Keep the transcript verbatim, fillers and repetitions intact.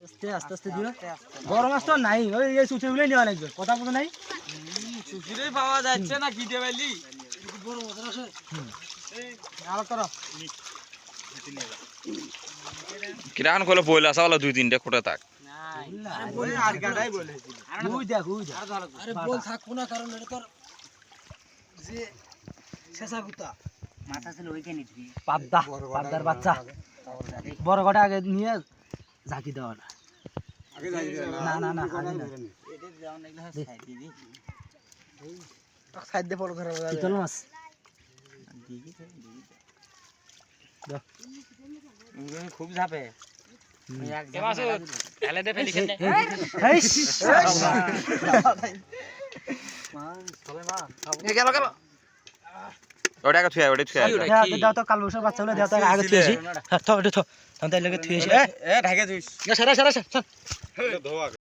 আস্তে আস্তে আস্তে দিও বড় মাছ তো নাই ওই এই সুচিগুলো নেওয়া লাগবে কথা বলতে নাই সুচিরই পাওয়া যাচ্ছে না কি দেবাইলি বড় মাছ আছে এই নাল করো কিরান কইলো বইলা সাওলা দুই তিনটা কোটা থাক আরে বল আর গাড়াই বলেছিল ওই দেখ ওই দেখ আরে বল থাকবো না কারণ এটা তোর যে শেষা গুতা মাথা ছিল ওইখানে দিবি পাবদা পাবদার বাচ্চা বড় কটা আগে নিয়ে ঝাঁকি দাও না আগে যাই না না না আগে না এটা যাও না এগুলা সাইড দিবি সাইড দে পড় ধরে চিতল মাছ দিবি দাও খুব ঝাপে এ মাছ ঢালে দে ফেলি কেন এই এ গেল গেল ওটা কা থুয়া ওটা থুয়া দাও তো কাল বছর বাচ্চাগুলো দাও তো আগে থুয়েছি হ্যাঁ তো ওটা তো তাহলে লাগে থুয়েছি এ ঢাকে দিস এ সারা সারা সারা